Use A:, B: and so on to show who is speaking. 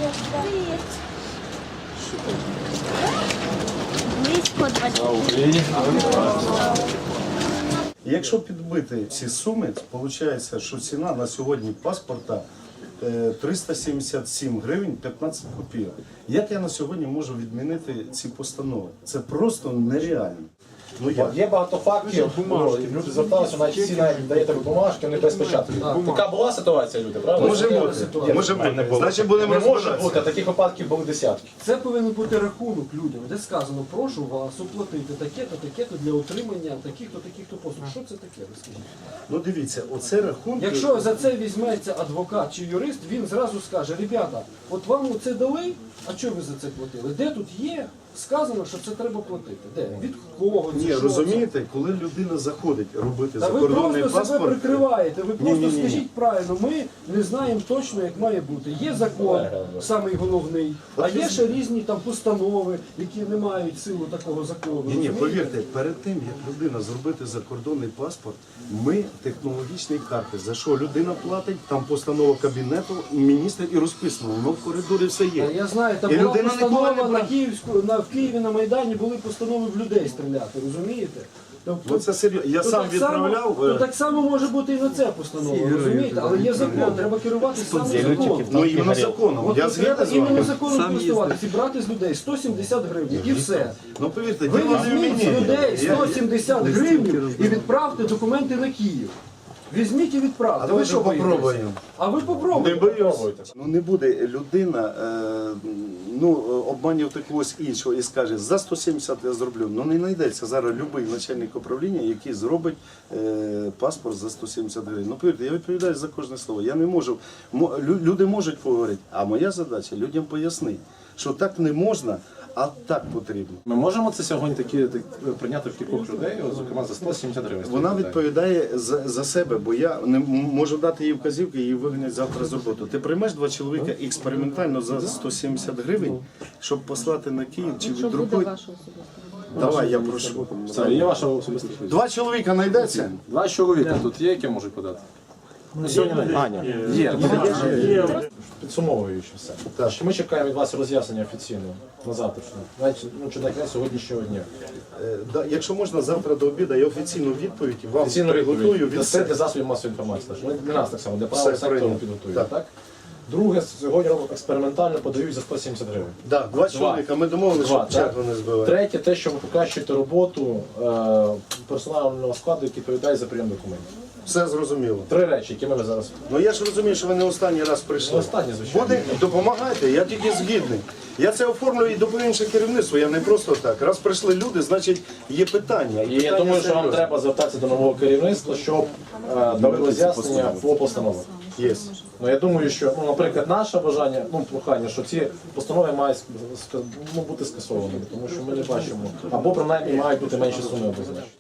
A: Привет. Близько 20.
B: Якщо підбити ці суми, виходить, що ціна на сьогодні паспорта 377 гривень 15 копійок. Як я на сьогодні можу відмінити ці постанови? Це просто нереально. Ну, як?
C: Є багато фактів, люди зверталися, навіть всі навіть даєте бумажки, вони без печатки. Така була ситуація, люди, правда?
B: Може бути, може бути. Значить, будемо
C: Не може
B: розбиратися.
C: бути, таких випадків були десятки.
D: Це повинен бути рахунок людям, де сказано, прошу вас оплатити таке-то для отримання таких-то послуг. Що це таке, ви скажіть?
B: Ну дивіться, оце рахунки.
D: Якщо за це візьметься адвокат чи юрист, він зразу скаже, ребята, от вам це дали, а чого ви за це платили? Де тут є? Сказано, що це треба платити. Де? Від кого?
B: Ні,
D: Що це?
B: розумієте, коли людина заходить робити
D: Та ви
B: закордонний
D: просто себе
B: паспорт,
D: прикриваєте, ви просто
B: Ні-ні-ні.
D: скажіть правильно, ми не знаємо точно, як має бути. Є закон, самий головний, а є ще різні там постанови, які не мають силу такого закону.
B: ні,
D: розумієте?
B: повірте, перед тим, як людина зробити закордонний паспорт, ми технологічні карти, за що людина платить, там постанова кабінету, міністр і розписано, воно в коридорі все
D: Та
B: є.
D: я знаю, там
B: І
D: була
B: людина ніколи
D: постанова
B: не
D: на в Києві на Майдані були постанови в людей стріляти, розумієте? Тобто,
B: Ну це серйозно. Я
D: то
B: сам
D: так само-
B: відправляв.
D: то так само може бути і на це постанова, розумієте? Але є закон, треба керуватися саме законом.
B: Ну іменно законом.
D: От
B: Я
D: треба
B: згідний з
D: іменно
B: вами.
D: законом користуватися, зібрати з людей 170 гривень і все.
B: Ну повірте,
D: Ви
B: діло не в
D: візьміть з
B: мені.
D: людей
B: Я-
D: 170 гривень і відправте документи на Київ. Візьміть і відправте.
B: А
D: Ви
B: давайте
D: що боїтесь?
B: попробуємо.
D: А ви
B: Не
D: попробуйте.
B: боюсь. Ну не буде людина обманювати когось іншого і скаже, за 170 я зроблю. Ну не знайдеться зараз будь-який начальник управління, який зробить паспорт за 170 гривень. Ну повірте, я відповідаю за кожне слово. Я не можу. Люди можуть поговорити, а моя задача людям пояснити, що так не можна, а так потрібно.
C: Ми можемо це сьогодні прийняти в кількох людей, зокрема за 170 гривень.
B: Вона відповідає за себе, бо я не можу дати їй вказівки, її вигнать завтра з роботи. Ти приймеш 2 чоловіка експериментально за 170 гривень, щоб послати на Київ чи віддрукують? Давай, я прошу.
C: Це є ваша особиста відповідь.
B: 2 чоловіка знайдеться?
C: 2 чоловіка тут є, які можуть подати? Ну, сьогодні Аня. Є. Підсумовуючи все. Що ми чекаємо від вас роз'яснення офіційного на завтрашнє. Навіть чи на кінець сьогоднішнього дня.
B: Якщо можна, завтра до обіду я офіційну відповідь вам
C: Офіційну
B: приготую
C: відповідь.
B: від
C: Це для
B: себе.
C: засобів масової інформації. Ми для нас так само, для правого
B: Все
C: сектору
B: прийнято.
C: підготуємо.
B: Так.
C: Так? Друге, сьогодні експериментально подають за 170 гривень.
B: Да, 2 чоловіка, ми домовилися, щоб
C: так.
B: чергу не збивати.
C: Третє, те, що ви покращуєте роботу персонального складу, який відповідає за прийом документів.
B: Все зрозуміло.
C: 3 речі, які ми зараз...
B: Ну я ж розумію, що ви не останній раз прийшли.
C: Не останній, звичайно.
B: Буде, допомагайте, я тільки згідний. Я це оформлю і до інше керівництво, я не просто так. Раз прийшли люди, значить є питання.
C: І я думаю, що вам треба звертатися до нового керівництва, щоб дали роз'яснення по постановах.
B: Є.
C: Ну, я думаю, що, наприклад, наше бажання, прохання, що ці постанови мають бути скасованими, тому що ми не бачимо, або принаймні мають бути менші суми обозначені.